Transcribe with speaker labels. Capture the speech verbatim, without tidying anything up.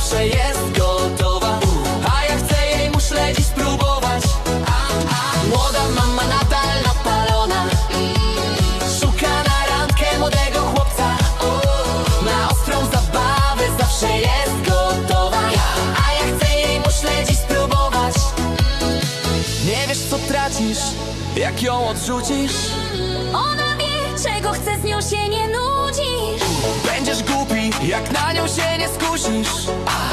Speaker 1: zawsze jest gotowa, a ja chcę jej muszle dziś spróbować. Młoda mama nadal napalona, szuka na randkę młodego chłopca. Na ostrą zabawę zawsze jest gotowa, a ja chcę jej muszle dziś spróbować. Nie wiesz co tracisz, jak ją odrzucisz.
Speaker 2: Ona wie, czego chce, z nią się nie nudzisz.
Speaker 1: Będziesz głupi, jak na nią się nie skusisz.